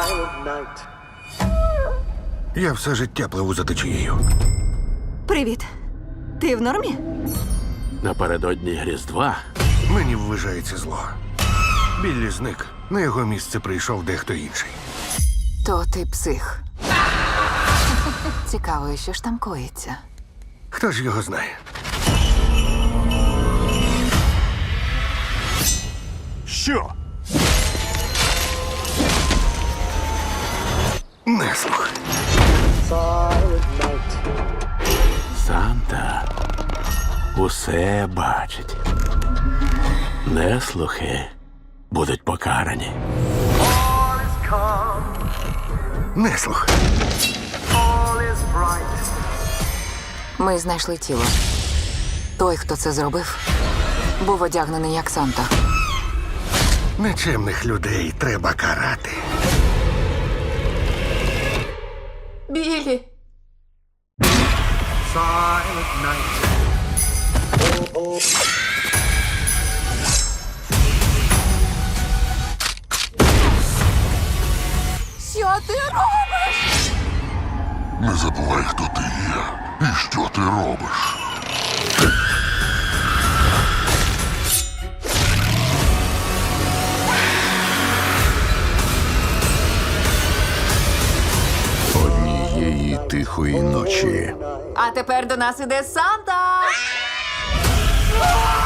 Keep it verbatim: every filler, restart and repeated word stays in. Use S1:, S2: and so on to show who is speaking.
S1: Silent night.
S2: Я все життя пливу за течією.
S3: Привіт. Ти в нормі?
S4: Напередодні Різдва
S2: Мені ввижається зло. Біллі зник. На його місце прийшов дехто інший.
S5: То ти псих. Цікаво, що ж там коїться.
S2: Хто ж його знає?
S4: Що?
S2: Неслух.
S1: Silent night.
S4: Санта усе бачить. Неслухи будуть покарані.
S1: All is calm,
S2: Неслух.
S1: all is bright.
S5: Ми знайшли тіло. Той, хто це зробив, був одягнений як Санта.
S2: Нечемних людей треба карати.
S5: Білі!
S1: Silent night.
S5: Що ти робиш?
S6: Не забувай, хто ти є і що ти робиш.
S7: Однієї тихої ночі
S5: А тепер до нас іде Санта!